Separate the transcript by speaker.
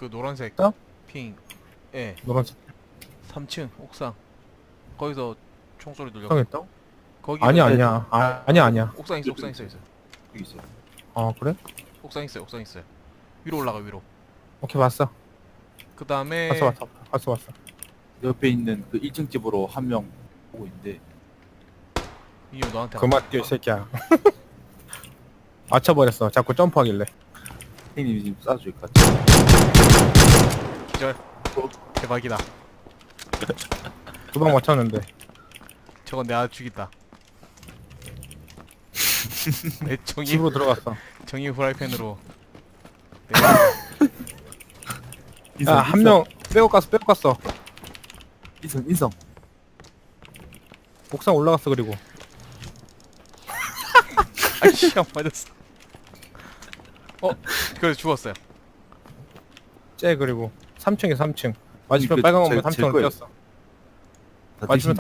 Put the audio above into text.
Speaker 1: 그 노란색
Speaker 2: 어?
Speaker 1: 핑. 예.
Speaker 2: 노란색
Speaker 1: 3층 옥상. 거기서 총소리 들려.
Speaker 2: 옥상했다고?
Speaker 1: 거기
Speaker 2: 아니야 아니야 아니야.
Speaker 1: 옥상 있어. 옥상 있어.
Speaker 3: 여기 있어요.
Speaker 2: 그래?
Speaker 1: 옥상 있어요. 옥상 있어요. 위로 올라가 위로.
Speaker 2: 오케이 봤어.
Speaker 1: 그 다음에
Speaker 2: 봤어.
Speaker 3: 옆에 있는 그 1층 집으로 한 명 오고 있는데
Speaker 1: 이거 너한테.
Speaker 2: 그만 뛰어 이 새끼야. 맞춰버렸어. 자꾸 점프하길래.
Speaker 3: 형님이 지금 쏴줄 것 같아요.
Speaker 1: 기절. 대박이다.
Speaker 2: 두 방 맞췄는데.
Speaker 1: 저건 내가 죽이다. 내
Speaker 2: 집으로 들어갔어.
Speaker 1: 정의 후라이팬으로.
Speaker 2: 야 한 명 빼고 갔어.
Speaker 3: 인성.
Speaker 2: 옥상 올라갔어. 그리고
Speaker 1: 아이씨 안 맞았어. 그래서 죽었어요.
Speaker 2: 그리고 3층에 3층 맞으면
Speaker 3: 그
Speaker 2: 빨간 건물
Speaker 3: 제
Speaker 2: 3층으로
Speaker 3: 거예요.
Speaker 2: 뛰었어.
Speaker 3: 다
Speaker 2: 맞으면